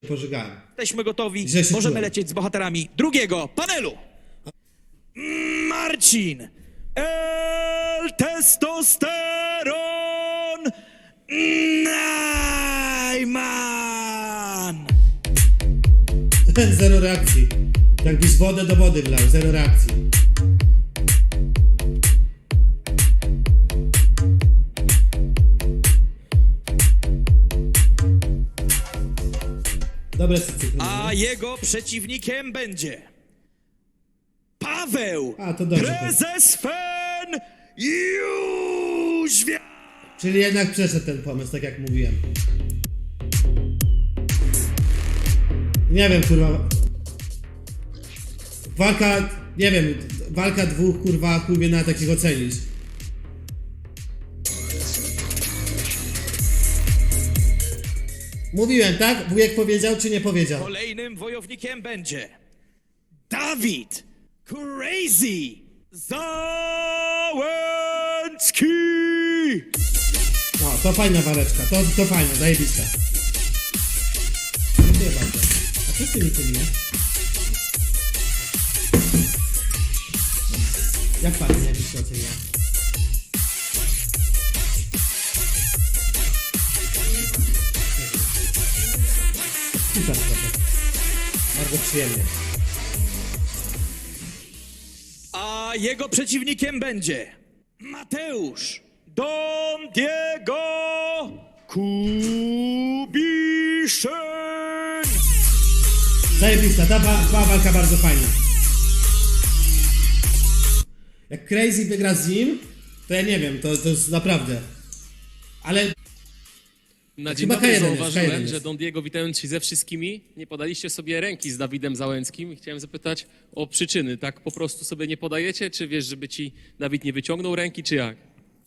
pożygałem. Jesteśmy gotowi, Źle się możemy czułem. lecieć z bohaterami drugiego panelu. Marcin El Testosteron Najman. Zero reakcji. Jakbyś wodę do wody wlał, zero reakcji. Dobre sycykliny. A jego przeciwnikiem będzie Paweł, A, to dobrze. prezes FEN Jóźwia. Czyli jednak przeszedł ten pomysł, tak jak mówiłem. Nie wiem, kurwa. Walka, nie wiem, walka dwóch, kurwa, chuj wie na takich ocenić. Mówiłem, tak? Wujek powiedział, czy nie powiedział? Kolejnym wojownikiem będzie Dawid Crazy Załęcki. No, to fajna waleczka, to fajna, zajebista. Dziękuję bardzo. A co z tymi tymi? Jak pan, jakbyś to ocenia? Super, trochę. Bardzo przyjemnie. A jego przeciwnikiem będzie Mateusz Don Diego Kubiszyn. Zajebista, ta walka bardzo fajna. Jak Crazy wygra z nim, to ja nie wiem, to jest naprawdę. Ale Na dzień Chyba dobry K1 jest, zauważyłem, K1 że jest. Don Diego, witając się ze wszystkimi, nie podaliście sobie ręki z Dawidem Załęckim i chciałem zapytać o przyczyny. Tak po prostu sobie nie podajecie? Czy wiesz, żeby ci Dawid nie wyciągnął ręki, czy jak?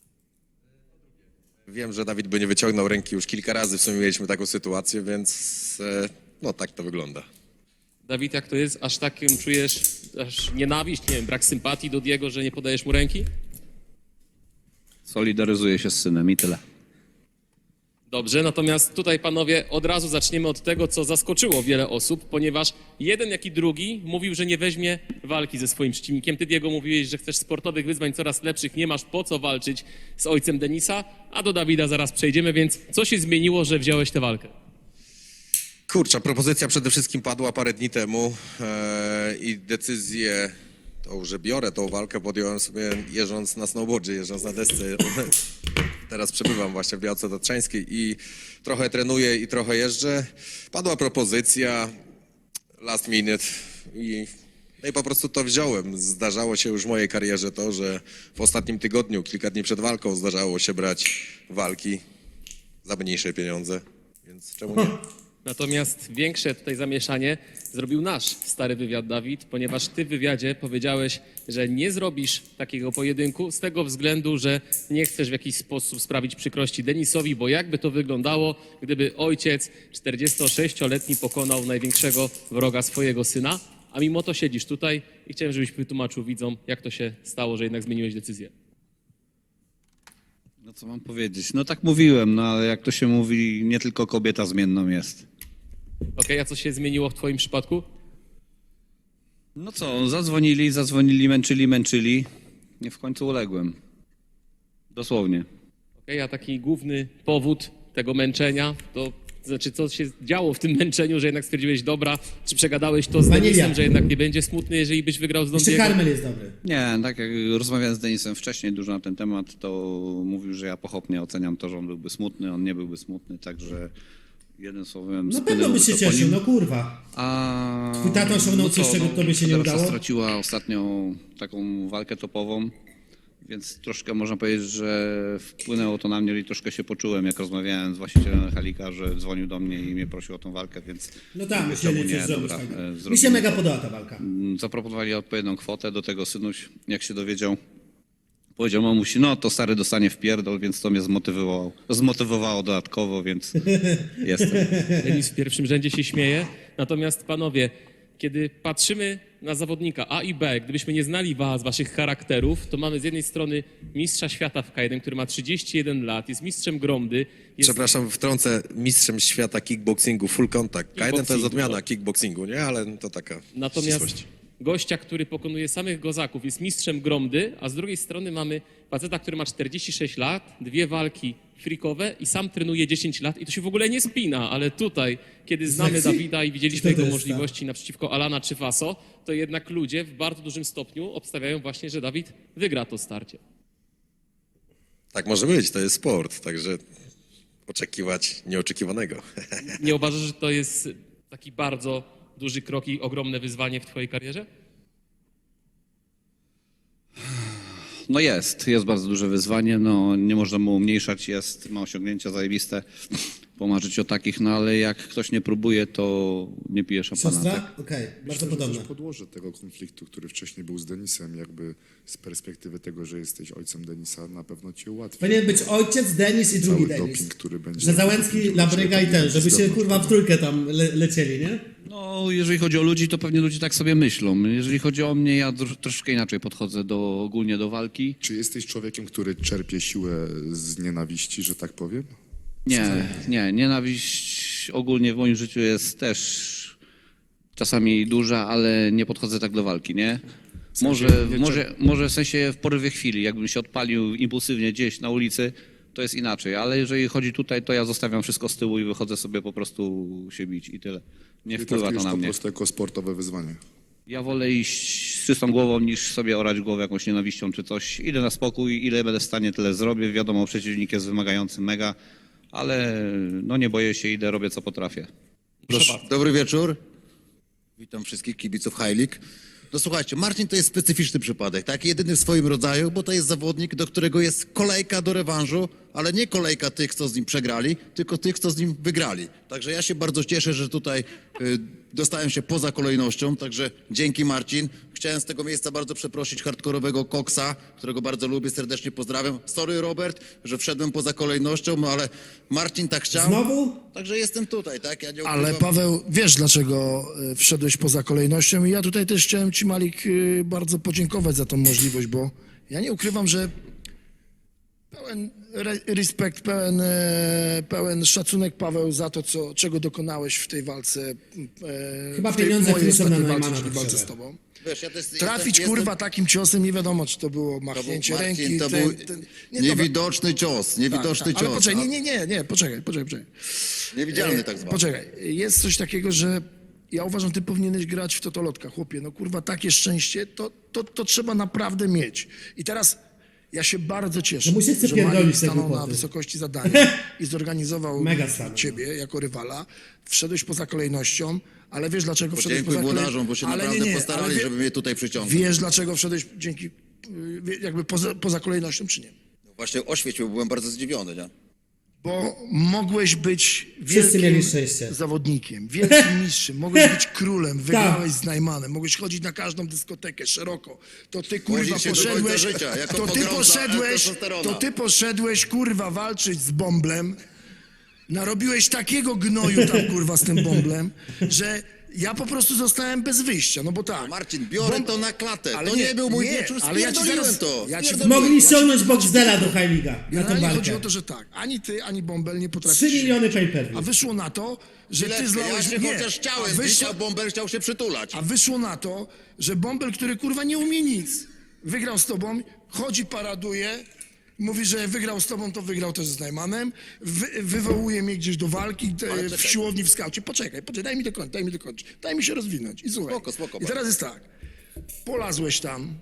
Wiem, że Dawid by nie wyciągnął ręki już kilka razy, w sumie mieliśmy taką sytuację, więc no tak to wygląda. Dawid, jak to jest? Aż takim czujesz aż nienawiść, nie wiem, brak sympatii do Diego, że nie podajesz mu ręki? Solidaryzuję się z synem i tyle. Dobrze, natomiast tutaj, panowie, od razu zaczniemy od tego, co zaskoczyło wiele osób, ponieważ jeden, jak i drugi mówił, że nie weźmie walki ze swoim przeciwnikiem. Ty, Diego, mówiłeś, że chcesz sportowych wyzwań coraz lepszych, nie masz po co walczyć z ojcem Denisa, a do Dawida zaraz przejdziemy, więc co się zmieniło, że wziąłeś tę walkę? Kurczę, propozycja przede wszystkim padła parę dni temu i decyzję, tą, że biorę tą walkę, podjąłem sobie jeżdżąc na snowboardzie, jeżdżąc na desce. Teraz przebywam właśnie w Białce Tatrzańskiej i trochę trenuję i trochę jeżdżę. Padła propozycja, last minute no i po prostu to wziąłem. Zdarzało się już w mojej karierze to, że w ostatnim tygodniu, kilka dni przed walką zdarzało się brać walki za mniejsze pieniądze, więc czemu nie? Natomiast większe tutaj zamieszanie zrobił nasz stary wywiad, Dawid, ponieważ ty w wywiadzie powiedziałeś, że nie zrobisz takiego pojedynku z tego względu, że nie chcesz w jakiś sposób sprawić przykrości Denisowi, bo jakby to wyglądało, gdyby ojciec 46-letni pokonał największego wroga swojego syna, a mimo to siedzisz tutaj i chciałem, żebyś wytłumaczył widzom, jak to się stało, że jednak zmieniłeś decyzję. No co mam powiedzieć? No tak mówiłem, no ale jak to się mówi, nie tylko kobieta zmienną jest. Okej, a co się zmieniło w twoim przypadku? No co, zadzwonili, męczyli. Nie w końcu uległem. Dosłownie. Okej, a taki główny powód tego męczenia, to znaczy co się działo w tym męczeniu, że jednak stwierdziłeś, dobra, czy przegadałeś to z Wanilia. Denisem, że jednak nie będzie smutny, jeżeli byś wygrał z Don jeszcze Diego? karmel jest dobry. Nie, tak jak rozmawiałem z Denisem wcześniej dużo na ten temat, to mówił, że ja pochopnie oceniam to, że on byłby smutny, on nie byłby smutny, także jednym słowem Na pewno byś się spłynęłoby to po cieszył, nim. no kurwa. A Twój tata osiągnął coś, czego tobie się nie Federacja udało? straciła ostatnią taką walkę topową, więc troszkę można powiedzieć, że wpłynęło to na mnie i troszkę się poczułem, jak rozmawiałem z właścicielem Halika, że dzwonił do mnie i mnie prosił o tą walkę, więc No tak, mówię, musieli czemu coś nie, zrobić dobra, fajnego. Mi zrobimy się mega to. podoba ta walka. Zaproponowali odpowiednią kwotę, do tego synuś, jak się dowiedział, powiedział mamusi, no to stary dostanie w pierdol, więc to mnie zmotywowało dodatkowo, więc jestem. Denis w pierwszym rzędzie się śmieje, natomiast panowie, Kiedy patrzymy na zawodnika A i B, gdybyśmy nie znali was, waszych charakterów, to mamy z jednej strony mistrza świata w K1, który ma 31 lat, jest mistrzem Gromdy, jest Przepraszam, wtrącę, mistrzem świata kickboxingu full contact. K1 to jest Kickboxingu, odmiana tak. kickboxingu, nie? Ale to taka Natomiast ścisłość. gościa, który pokonuje samych gozaków, jest mistrzem Gromdy, a z drugiej strony mamy faceta, który ma 46 lat, 2 walki frikowe i sam trenuje 10 lat i to się w ogóle nie spina, ale tutaj, kiedy znamy Lexi? Dawida i widzieliśmy Czy to jego jest możliwości naprzeciwko Alana czy Faso, to jednak ludzie w bardzo dużym stopniu obstawiają właśnie, że Dawid wygra to starcie. Tak może być, to jest sport, także oczekiwać nieoczekiwanego. Nie uważasz, że to jest taki bardzo duży krok i ogromne wyzwanie w twojej karierze? No jest bardzo duże wyzwanie, no nie można mu umniejszać, ma osiągnięcia zajebiste, pomarzyć o takich, no ale jak ktoś nie próbuje, to nie pije szampana. Tak? Siostra? Okej, bardzo Myślę, że podobne. też podłoże tego konfliktu, który wcześniej był z Denisem, jakby z perspektywy tego, że jesteś ojcem Denisa, na pewno ci ułatwi. Powinien być ojciec, Denis i drugi Cały Denis. doping, który będzie- Że Załęcki, będzie Labryga i ten, żeby się zewnątrz kurwa w tego. trójkę tam lecieli, nie? No jeżeli chodzi o ludzi, to pewnie ludzie tak sobie myślą. Jeżeli chodzi o mnie, ja troszkę inaczej podchodzę ogólnie do walki. Czy jesteś człowiekiem, który czerpie siłę z nienawiści, że tak powiem? Nie, nienawiść ogólnie w moim życiu jest też czasami duża, ale nie podchodzę tak do walki, nie? Może w sensie w porywie chwili, jakbym się odpalił impulsywnie gdzieś na ulicy, to jest inaczej, ale jeżeli chodzi tutaj, to ja zostawiam wszystko z tyłu i wychodzę sobie po prostu się bić i tyle. Nie Ty wpływa to traktujesz na po mnie. prostu jako sportowe wyzwanie. Ja wolę iść z czystą głową, niż sobie orać głowę jakąś nienawiścią czy coś. Idę na spokój, ile będę w stanie, tyle zrobię. Wiadomo, przeciwnik jest wymagający mega, ale no nie boję się, idę, robię co potrafię. Proszę. Dobry wieczór. Witam wszystkich kibiców High League. No słuchajcie, Marcin to jest specyficzny przypadek, tak? Jedyny w swoim rodzaju, bo to jest zawodnik, do którego jest kolejka do rewanżu, ale nie kolejka tych, co z nim przegrali, tylko tych, co z nim wygrali. Także ja się bardzo cieszę, że tutaj dostałem się poza kolejnością, także dzięki Marcin. Chciałem z tego miejsca bardzo przeprosić hardkorowego Koksa, którego bardzo lubię, serdecznie pozdrawiam. Sorry Robert, że wszedłem poza kolejnością, no ale Marcin tak chciał. Znowu? Także jestem tutaj, tak? Ja nie Ale ukrywam. Paweł, wiesz dlaczego wszedłeś poza kolejnością i ja tutaj też chciałem ci, Malik, bardzo podziękować za tą możliwość, bo ja nie ukrywam, że pełen respekt, pełen szacunek, Paweł, za to, czego dokonałeś w tej walce. Chyba w tej pieniądze mojej wpisane ostatniej na walce, Neumana czyli walce z potrzebne. tobą. Wiesz, ja też Trafić, kurwa, takim ciosem, nie wiadomo, czy to było machnięcie Marcin, ręki. to był nie, niewidoczny cios, niewidoczny ale cios. poczekaj, nie, poczekaj. Niewidzialny tak zwany. Poczekaj, jest coś takiego, że ja uważam, ty powinieneś grać w totolotka, chłopie. No kurwa, takie szczęście to trzeba naprawdę mieć. I teraz ja się bardzo cieszę, No mu się chce że pierdolić Malik te stanął na głupoty. wysokości zadania i zorganizował Mega stanął. ciebie jako rywala. Wszedłeś poza kolejnością, ale wiesz dlaczego wszedłeś Dziękuję poza kolejnością? włodarzom, bo się Ale naprawdę ale postarali, żeby mnie tutaj przyciągnąć. Wiesz dlaczego wszedłeś jakby poza kolejnością, czy nie? Właśnie oświecił, byłem bardzo zdziwiony, nie? Bo mogłeś być Wszyscy mieli wielkim szczęście. zawodnikiem, wielkim mistrzem, mogłeś być królem, Tak. wygrałeś z Najmanem, mogłeś chodzić na każdą dyskotekę szeroko. To ty kurwa Chodzić się do końca poszedłeś, życia, jako pogromca testosterona. to ty poszedłeś kurwa walczyć z Bąblem, narobiłeś takiego gnoju tam kurwa z tym Bąblem, że ja po prostu zostałem bez wyjścia, no bo tak. Marcin, biorę to na klatę. Ale to nie był mój wieczór, ale ja ci spierdoliłem zaraz- to. ja ci- Spierdoliłem. Mogli ściągnąć Boxdela do High League'a na tą Generalnie chodzi walkę. o to, że tak, ani ty, ani Bąbel nie 3 potrafisz. miliony pay-per-view. A wyszło na to, że ty Chwileczkę, zlałeś... ja się nie, chociaż chciałem a bić, wyszło, a Bąbel chciał się przytulać. a wyszło na to, że Bąbel, który kurwa nie umie nic, wygrał z tobą, chodzi, paraduje, mówi, że wygrał z tobą, to wygrał też z Najmanem, wywołuje mnie gdzieś do walki w czekaj. siłowni w skaucie. Poczekaj, daj mi dokończyć, daj mi się rozwinąć. I słuchaj, Spoko, i teraz jest tak, polazłeś tam,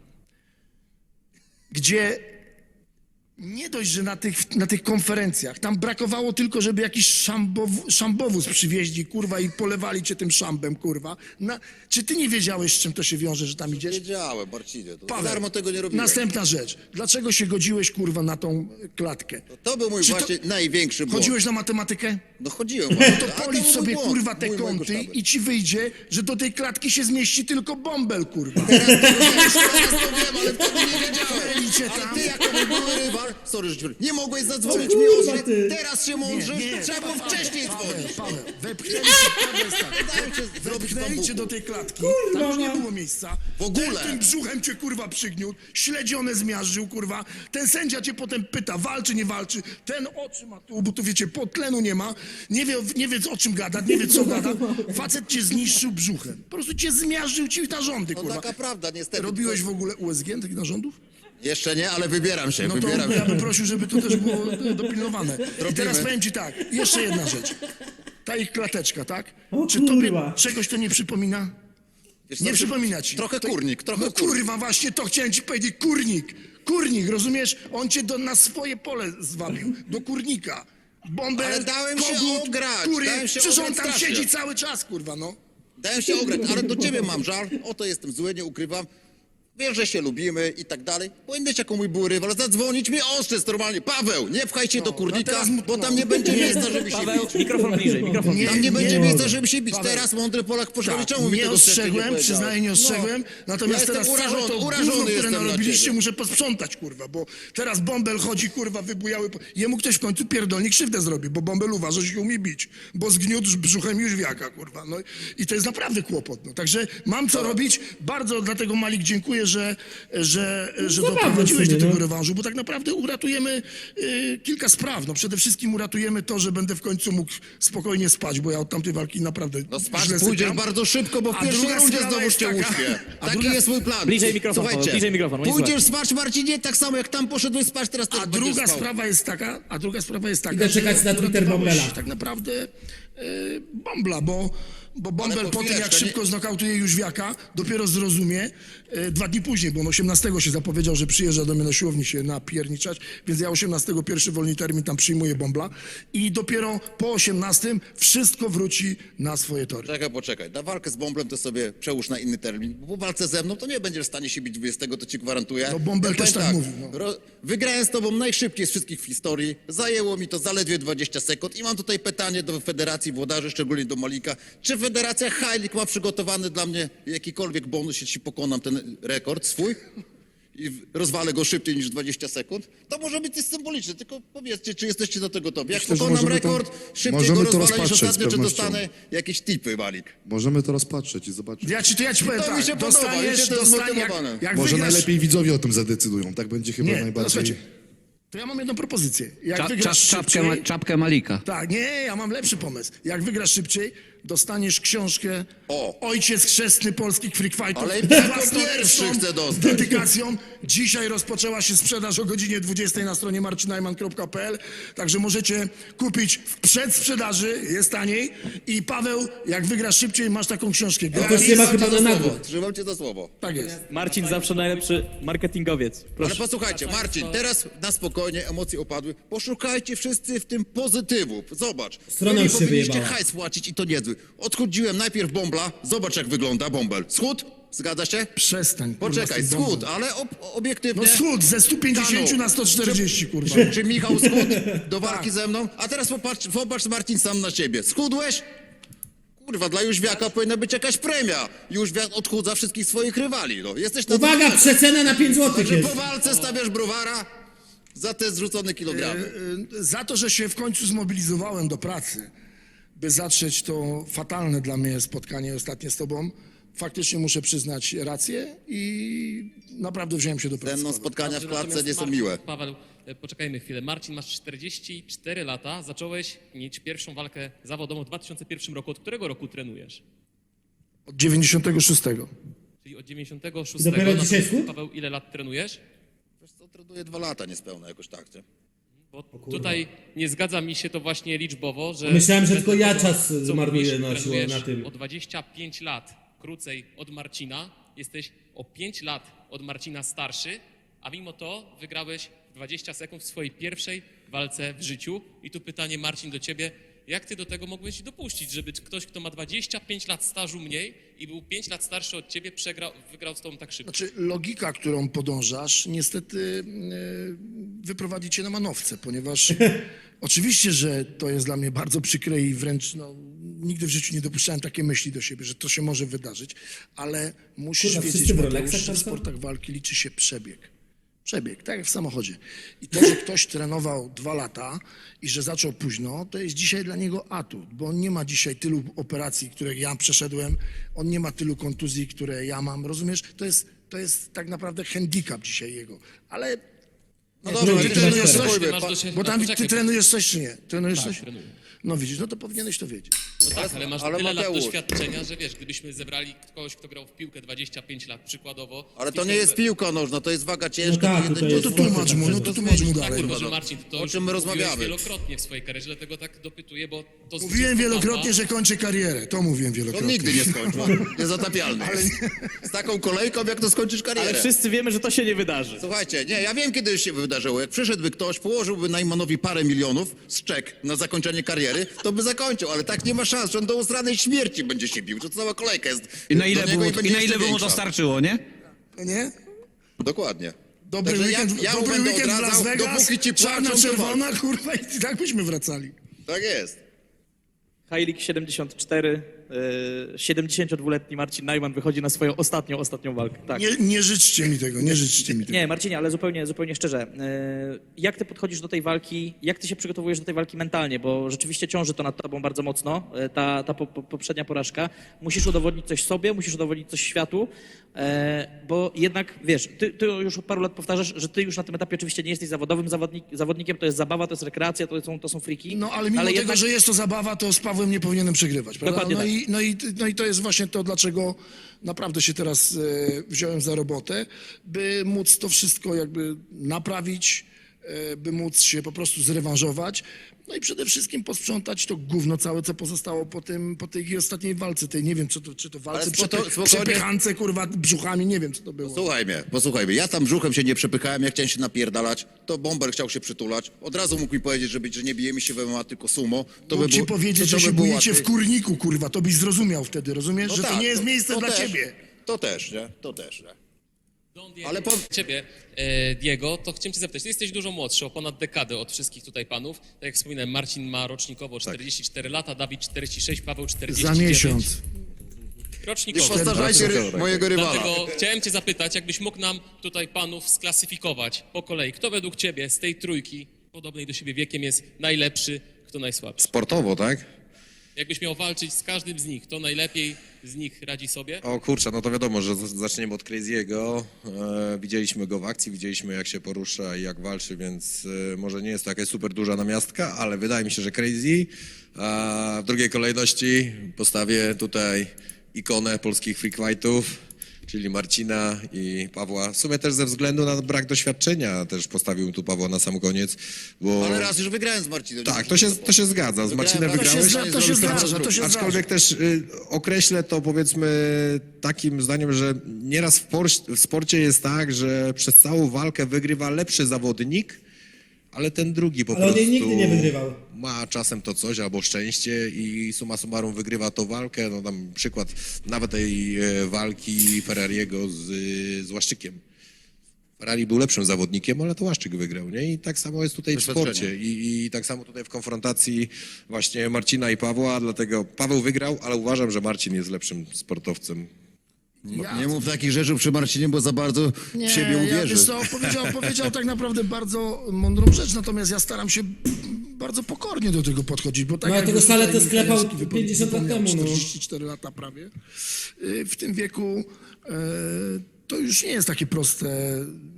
gdzie nie dość, że na tych konferencjach, tam brakowało tylko, żeby jakiś szambowóz przywieźli, kurwa, i polewali cię tym szambem, kurwa. Czy ty nie wiedziałeś, z czym to się wiąże, że tam idziesz? Wiedziałem, Marcinie, to Paweł, darmo tego nie robiłem. Następna rzecz. Dlaczego się godziłeś, kurwa, na tą klatkę? To był mój Czy to- właśnie największy błąd. Chodziłeś na matematykę? No chodziłem No właśnie. to A był policz mój sobie, błąd, kurwa, te mojego kąty sztabu. i ci wyjdzie, że do tej klatki się zmieści tylko Bąbel, kurwa. Teraz to wiem, ale wtedy nie wiedziałem. Idzie Ale tam. ty jako mój były rywal, sorry, że ci powiem, nie mogłeś zadzwonić O mi kurwa, o mnie. ty. Teraz się mądrzysz, trzeba było wcześniej dzwonić. Paweł, wepchnęli cię, Paweł jest tak. Dałem cię zrobić Wepchnęli wejście do tej klatki, Kurwa, tam już nie no. było miejsca. W ogóle. Ten tym brzuchem cię kurwa przygniótł, śledzione zmiażdżył kurwa. Ten sędzia cię potem pyta, walczy, nie walczy. Ten oczy ma tu, bo tu wiecie, tlenu nie ma. Nie wie o czym gada, nie wie co gada. Facet cię zniszczył brzuchem. Po prostu cię zmiażdżył ci narządy No kurwa. taka prawda, niestety. Robiłeś w ogóle USG takich narządów? Jeszcze nie, ale wybieram się, No to wybieram ja się. bym prosił, żeby to też było dopilnowane. I Robimy. teraz powiem ci tak, jeszcze jedna rzecz. Ta ich klateczka, tak? O Czy tobie kurwa. czegoś to nie przypomina? Wiesz Nie co, przypomina ci. Trochę kurnik, trochę No kurnik. kurwa, właśnie to chciałem ci powiedzieć, kurnik, rozumiesz? On cię na swoje pole zwabił, do kurnika. Bombę, Ale dałem się ograć, dałem się przecież on ograć tam strasznie. siedzi cały czas, kurwa, no. Dałem się ograć, ale do ciebie mam żal. Oto jestem zły, nie ukrywam. Wiesz, że się lubimy i tak dalej. Powinieneś jako mój był rywal zadzwonić mi ostrzec normalnie. Paweł, nie pchaj się do kurnika, teraz bo tam nie będzie miejsca, żeby się Paweł, bić. mikrofon bliżej, mikrofon bliżej. Tam nie będzie nie miejsca, mogę. żeby się bić. Paweł. Teraz mądry Polak poszedł. Tak, Czemu mi nie tego wcześniej ostrzegłem, powiedziałeś? przyznaję, nie ostrzegłem. Natomiast Ja teraz jestem całe to gówno, urażony które jestem na narobiliście, ciebie. muszę posprzątać, kurwa, bo teraz Bąbel chodzi, kurwa, wybujały. Jemu ktoś w końcu pierdolnik krzywdę zrobi, bo Bąbel uważa, że się umie bić, bo zgniótł brzuchem Jóźwiaka, kurwa. No i to jest naprawdę kłopot. No. Także mam co robić. Bardzo dlatego, Malik, dziękuję, że doprowadziłeś do sobie, tego no. rewanżu, bo tak naprawdę uratujemy kilka spraw. No przede wszystkim uratujemy to, że będę w końcu mógł spokojnie spać, bo ja od tamtej walki naprawdę No spać źle pójdziesz sypiam. bardzo szybko, bo w A pierwszej druga rundzie sprawa znowu jest cię taka- uśpię. a Taki druga- jest mój plan. Bliżej mikrofon, Paweł, Słuchajcie, bliżej mikrofon, nie pójdziesz słychać. spać, Marcinie, tak samo jak tam poszedłeś spać, teraz też A będziesz druga spał. sprawa jest taka, Idę czekać na Twitter uratowałeś Bombela. tak naprawdę Bombla, bo Bombel po po tym, jak chwileczkę, szybko znokautuje Jóźwiaka, dopiero zrozumie, 2 dni później, bo on 18 się zapowiedział, że przyjeżdża do mnie na siłowni się napierniczać, więc ja 18 pierwszy wolny termin tam przyjmuję Bombla i dopiero po 18 wszystko wróci na swoje tory. Poczekaj. Na walkę z Bąblem to sobie przełóż na inny termin, bo po walce ze mną to nie będziesz w stanie się bić 20, to ci gwarantuję. No, Bąbel powiem też tak mówi, no. Wygrałem z tobą najszybciej z wszystkich w historii. Zajęło mi to zaledwie 20 sekund i mam tutaj pytanie do Federacji Włodarzy, szczególnie do Malika. Czy Federacja Heilig ma przygotowany dla mnie jakikolwiek bonus, jeśli pokonam ten rekord swój? I rozwalę go szybciej niż 20 sekund, to może być coś symboliczne. Tylko powiedzcie, czy jesteście do tego gotowi. Jak Myślę, że pokonam możemy to- rekord, szybciej możemy go to rozwalę niż rozpatrzeć z ostatnio, czy pewnością. dostanę jakieś tipy, Malik? Możemy to rozpatrzeć i zobaczyć. Ja ci powiem To mi tak, się podoba, mi dostaniesz, się to jest jak zmotywowane. Może wygrasz... najlepiej widzowie o tym zadecydują, tak będzie chyba Nie, to najbardziej... słuchajcie, to ja mam jedną propozycję. Jak wygrasz szybciej... Czapkę Malika. Tak, nie, ja mam lepszy pomysł. Jak wygrasz szybciej, dostaniesz książkę Ojciec Chrzestny Polskich Freak Fightów. Ale z jako własnoręczną pierwszy chcę dostać. dedykacją. Dzisiaj rozpoczęła się sprzedaż o godzinie 20 na stronie marcinajman.pl, także możecie kupić w przedsprzedaży, jest taniej. I Paweł, jak wygrasz szybciej, masz taką książkę. To już nie ma chyba na Za nagłe. słowo, trzymam cię za słowo. Tak jest. Marcin zawsze najlepszy marketingowiec. Ale posłuchajcie, Marcin, teraz na spokojnie, emocje opadły. Poszukajcie wszyscy w tym pozytywu. Zobacz. Strona Wy mi już się powinniście wyjebała. hajs płacić i to niezły. Odchudziłem najpierw Bąbla. Zobacz, jak wygląda Bąbel. Schód? Zgadza się? Przestań. kurwa, Poczekaj, z tym bombą. schód, ale obiektywnie... No schód ze 150 Stanął. na 140, kurwa. Czy Michał schudł do walki Tak. ze mną? A teraz popatrz Marcin sam na siebie. Schudłeś? Kurwa, dla Jóźwiaka powinna być jakaś premia. Jóźwiak odchudza wszystkich swoich rywali. No. Jesteś na Uwaga, przecena na 5 zł Że jest. po walce stawiasz browara za te zrzucone kilogramy. Za to, że się w końcu zmobilizowałem do pracy, by zatrzeć to fatalne dla mnie spotkanie ostatnie z tobą, faktycznie muszę przyznać rację i naprawdę wziąłem się do Ze pracy. mną spotkania w klatce Natomiast nie są Marcin, miłe. Paweł, poczekajmy chwilę. Marcin, masz 44 lata, zacząłeś mieć pierwszą walkę zawodową w 2001 roku. Od którego roku trenujesz? Od 96. Czyli od 96. Dopiero Natomiast, dzisiaj schudł? Paweł, ile lat trenujesz? Wiesz co, trenuję 2 lata niespełna jakoś tak, nie? Bo tutaj nie zgadza mi się to właśnie liczbowo, że... Myślałem, że bez tylko ja tego, czas co zmarnuję mówisz, na trenujesz na tym. O 25 lat krócej od Marcina, jesteś o 5 lat od Marcina starszy, a mimo to wygrałeś 20 sekund w swojej pierwszej walce w życiu. I tu pytanie, Marcin, do ciebie. Jak ty do tego mogłeś dopuścić, żeby ktoś, kto ma 25 lat stażu mniej i był 5 lat starszy od ciebie, wygrał z tobą tak szybko? Znaczy, logika, którą podążasz, niestety wyprowadzi cię na manowce, ponieważ oczywiście, że to jest dla mnie bardzo przykre i wręcz nigdy w życiu nie dopuszczałem takiej myśli do siebie, że to się może wydarzyć, ale musisz Kurwa, wiedzieć, wszyscy w Mateusz, Rolexach że w tam są? sportach walki liczy się przebieg. Przebieg, tak jak w samochodzie. I to, że ktoś trenował 2 lata i że zaczął późno, to jest dzisiaj dla niego atut, bo on nie ma dzisiaj tylu operacji, które ja przeszedłem, on nie ma tylu kontuzji, które ja mam, rozumiesz? To jest tak naprawdę handicap dzisiaj jego, ale... No Nie, dobra, ty ale trenujesz teraz coś? spróbujmy, Masz pa- do siebie- Bo tam poczekaj, ty trenujesz coś czy nie? Trenujesz Tak, coś? trenuję. No widzisz, no to powinieneś to wiedzieć. No tak, ale masz ale tyle lat Mateusz. doświadczenia, że wiesz, gdybyśmy zebrali kogoś, kto grał w piłkę 25 lat przykładowo... Ale to i nie jest sobie- piłka nożna, to jest waga ciężka. No tak, to to jeden jest No to tłumacz mu, no to tłumacz mu dalej. Kurwa, no. że Marcin, to O już czym my mówiłeś rozmawiamy? wielokrotnie w swojej karierze, dlatego tak dopytuję, bo to... Mówiłem wielokrotnie, że kończę karierę. To mówiłem To wielokrotnie. nigdy nie skończył. Niezatapialny. Z taką kolejką, jak to skończysz karierę. Ale wszyscy wiemy, że to się nie wydarzy. Słuchajcie, nie, ja wiem, kiedy się wydarzyło. Jak przyszedłby ktoś, położyłby Najmanowi parę milionów z czek na zakończenie kariery, to by zakończył, ale tak nie ma szans, że on do usranej śmierci będzie się bił, że cała kolejka jest I na do ile, niego było, będzie i na ile jeszcze by mu to większa. starczyło, nie? Nie? Dokładnie. Dobry Także weekend, ja mu dobry będę weekend w Las odradzał, Vegas, dopóki ci czarna, płaczą, to czerwona, kurwa, i tak byśmy wracali. Tak jest. Heilig 74, 72-letni Marcin Najman wychodzi na swoją ostatnią walkę. Tak. Nie życzcie mi tego, nie życzcie mi tego. Nie, Marcinie, ale zupełnie szczerze. Jak ty podchodzisz do tej walki, jak ty się przygotowujesz do tej walki mentalnie? Bo rzeczywiście ciąży to nad tobą bardzo mocno, ta poprzednia porażka. Musisz udowodnić coś sobie, musisz udowodnić coś światu, bo jednak, wiesz, ty już od paru lat powtarzasz, że ty już na tym etapie oczywiście nie jesteś zawodowym zawodnikiem, to jest zabawa, to jest rekreacja, to są friki. No ale mimo tego, jednak... że jest to zabawa, to z Pawłem nie powinienem przegrywać, prawda? Dokładnie No i to jest właśnie to, dlaczego naprawdę się teraz wziąłem za robotę, by móc to wszystko jakby naprawić, by móc się po prostu zrewanżować, no i przede wszystkim posprzątać to gówno całe, co pozostało po tej ostatniej walce, tej nie wiem, czy to walce, spokojnie. przepychance, kurwa, brzuchami, nie wiem, co to było. Posłuchaj mnie. Ja tam brzuchem się nie przepychałem, ja chciałem się napierdalać, to Bomber chciał się przytulać. Od razu mógł mi powiedzieć, że nie bijemy się w MMA, tylko sumo. To Mógł by ci było- powiedzieć, to że by się było bujecie w łatwiej. kurniku, kurwa, to byś zrozumiał wtedy, rozumiesz? No że tak, to nie jest miejsce to dla też, ciebie. To też, nie? To też, nie? Ale Ale ciebie, Diego, to chciałem cię zapytać, ty jesteś dużo młodszy, o ponad dekadę od wszystkich tutaj panów. Tak jak wspominałem, Marcin ma rocznikowo 44 lata, Dawid 46, Paweł 49. Za miesiąc. Nie Rocznikowo. postarzajcie mojego rywala. Dlatego chciałem cię zapytać, jakbyś mógł nam tutaj panów sklasyfikować po kolei. Kto według ciebie z tej trójki, podobnej do siebie wiekiem, jest najlepszy, kto najsłabszy? Sportowo, tak? Jakbyś miał walczyć z każdym z nich, kto najlepiej z nich radzi sobie? O kurczę, no to wiadomo, że zaczniemy od Crazy'ego. Widzieliśmy go w akcji, widzieliśmy jak się porusza i jak walczy, więc może nie jest to jakaś super duża namiastka, ale wydaje mi się, że Crazy. A w drugiej kolejności postawię tutaj ikonę polskich freak fightów, czyli Marcina i Pawła. W sumie też ze względu na brak doświadczenia też postawił tu Pawła na sam koniec, bo... Ale raz już wygrałem z Marcinem. Tak, to się zgadza. Z Marcinem Wygrałem, wygrałeś. To się zdarza, to się Aczkolwiek też określę to powiedzmy takim zdaniem, że nieraz w sporcie jest tak, że przez całą walkę wygrywa lepszy zawodnik, ale ten drugi po Ale on prostu jej nigdy nie wygrywał. ma czasem to coś albo szczęście i summa summarum wygrywa tą walkę. No tam przykład nawet tej walki Ferrariego z Łaszczykiem. Ferrari był lepszym zawodnikiem, ale to Łaszczyk wygrał, nie? I tak samo jest tutaj w sporcie. I tak samo tutaj w konfrontacji właśnie Marcina i Pawła, dlatego Paweł wygrał, ale uważam, że Marcin jest lepszym sportowcem. Nie mów takich rzeczy przy Marcinie, bo za bardzo w siebie uwierzy. Wiesz co, powiedział tak naprawdę bardzo mądrą rzecz, natomiast ja staram się bardzo pokornie do tego podchodzić, bo tak No, jak tego już Saletę tutaj sklepał Michalewski 50 lat wypomniał, temu, no. 44 lata prawie. W tym wieku to już nie jest takie proste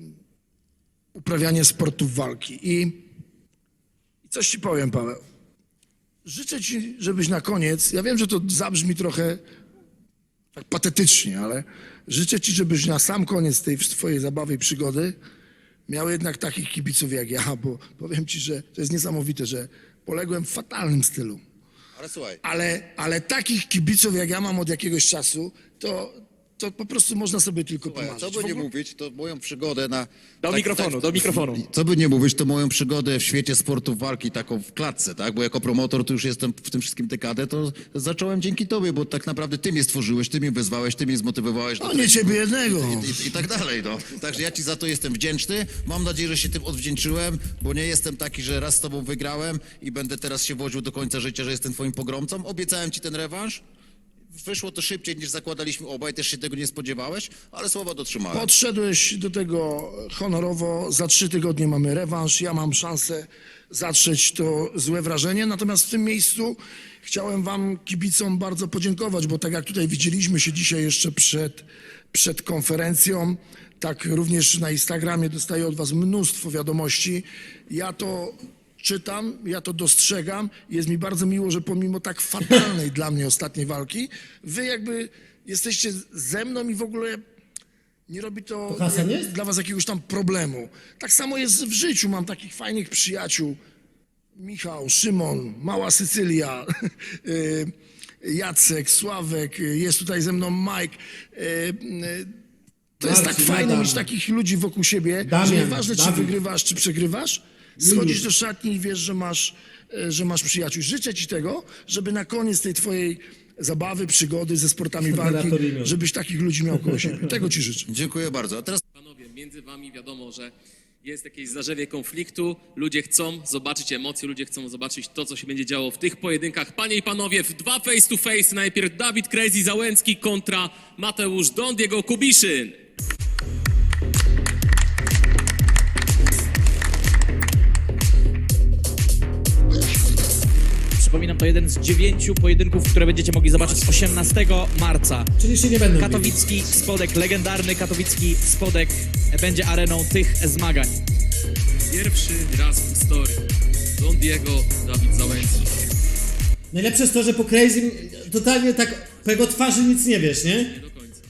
uprawianie sportów walki. I coś ci powiem, Paweł. Życzę ci, żebyś na koniec, ja wiem, że to zabrzmi trochę tak patetycznie, ale życzę ci, żebyś na sam koniec tej twojej zabawy i przygody miał jednak takich kibiców jak ja, bo powiem ci, że to jest niesamowite, że poległem w fatalnym stylu. Ale słuchaj, Ale takich kibiców jak ja mam od jakiegoś czasu, to po prostu można sobie tylko pomarzyć. co by nie mówić, to moją przygodę na... Do mikrofonu. Co by nie mówić, to moją przygodę w świecie sportów walki taką w klatce, tak? Bo jako promotor tu już jestem w tym wszystkim dekadę, to zacząłem dzięki tobie, bo tak naprawdę ty mnie stworzyłeś, ty mnie wezwałeś, ty mnie zmotywowałeś. do No nie ciebie jednego. I tak dalej, no. Także ja ci za to jestem wdzięczny. Mam nadzieję, że się tym odwdzięczyłem, bo nie jestem taki, że raz z tobą wygrałem i będę teraz się wodził do końca życia, że jestem twoim pogromcą. Obiecałem ci ten rewanż. Wyszło to szybciej niż zakładaliśmy obaj, też się tego nie spodziewałeś, ale słowa dotrzymałem. Podszedłeś do tego honorowo, za 3 tygodnie mamy rewanż, ja mam szansę zatrzeć to złe wrażenie, natomiast w tym miejscu chciałem wam, kibicom, bardzo podziękować, bo tak jak tutaj widzieliśmy się dzisiaj jeszcze przed konferencją, tak również na Instagramie dostaję od was mnóstwo wiadomości. Ja to czytam, ja to dostrzegam. Jest mi bardzo miło, że pomimo tak fatalnej dla mnie ostatniej walki, wy jakby jesteście ze mną i w ogóle nie robi to Hasan jest? dla was jakiegoś tam problemu. Tak samo jest w życiu, mam takich fajnych przyjaciół. Michał, Szymon, Mała Sycylia, Jacek, Sławek, jest tutaj ze mną Mike. To jest tak Marcin, fajne Adam. mieć takich ludzi wokół siebie, że Damian, nieważne czy Dawid. wygrywasz, czy przegrywasz, schodzisz do szatni i wiesz, że masz przyjaciół. Życzę ci tego, żeby na koniec tej twojej zabawy, przygody ze sportami walki, Laboratorium. żebyś takich ludzi miał koło siebie. Tego ci życzę. Dziękuję bardzo. A teraz Panowie, między wami wiadomo, że jest jakieś zarzewie konfliktu, ludzie chcą zobaczyć emocje, ludzie chcą zobaczyć to, co się będzie działo w tych pojedynkach. Panie i panowie, w 2 face to face najpierw Dawid Crazy Załęcki kontra Mateusz Don Diego Kubiszyn. Przypominam, to jeden z 9 pojedynków, które będziecie mogli zobaczyć 18 marca. Czyli się nie będą bili. Katowicki Spodek, legendarny katowicki Spodek będzie areną tych zmagań. Pierwszy raz w historii Don Diego, Dawid Załęcki. Najlepsze jest to, że po Crazy totalnie tak po jego twarzy nic nie wiesz, nie? Nie do końca.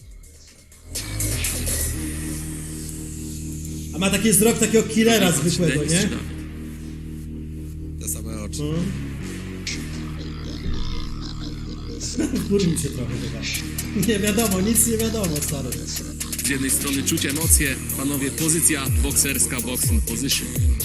A ma taki wzrok takiego killera zwykłego, Denis nie? czy Dawid? Te same oczy. Wkurwił się trochę chyba. Nie wiadomo, nic nie wiadomo, stary. Z jednej strony czuć emocje, panowie, pozycja bokserska, boxing position.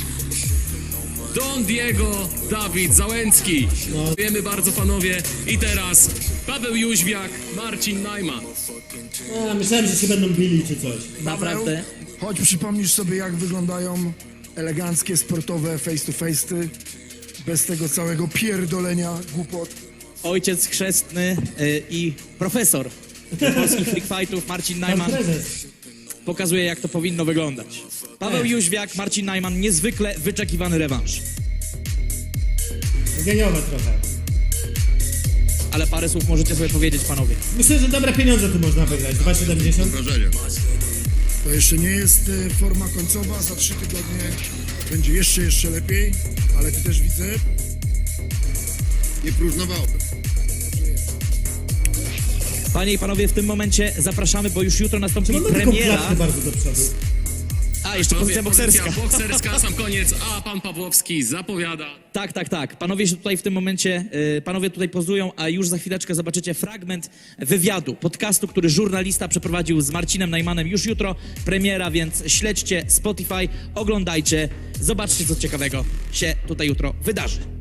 Don Diego, Dawid Załęcki. Dziękujemy bardzo, panowie. I teraz Paweł Jóźwiak, Marcin Najman. A, myślałem, że się będą bili czy coś. Naprawdę. Chodź, przypomnisz sobie, jak wyglądają eleganckie, sportowe face-to-face'y, bez tego całego pierdolenia, głupot. Ojciec chrzestny i profesor polskich freak fightów Marcin Pan Najman prezes. pokazuje, jak to powinno wyglądać. Paweł Jóźwiak, Marcin Najman, niezwykle wyczekiwany rewanż. Geniowe trochę. Ale parę słów możecie sobie powiedzieć, panowie. Myślę, że dobre pieniądze tu można wygrać. 2,70. wrażenie. To jeszcze nie jest forma końcowa, za 3 tygodnie będzie jeszcze lepiej, ale ty też widzę, Nie próżnowałbym. Panie i panowie, w tym momencie zapraszamy, bo już jutro nastąpi Czy on ma taką premiera. klatkę bardzo do przodu? A, jeszcze pozycja bokserska. Pozycja bokserska na sam koniec, a pan Pawłowski zapowiada. Tak. Panowie się tutaj w tym momencie, panowie tutaj pozują, a już za chwileczkę zobaczycie fragment wywiadu, podcastu, który żurnalista przeprowadził z Marcinem Najmanem już jutro. Premiera, więc śledźcie Spotify, oglądajcie, zobaczcie, co ciekawego się tutaj jutro wydarzy.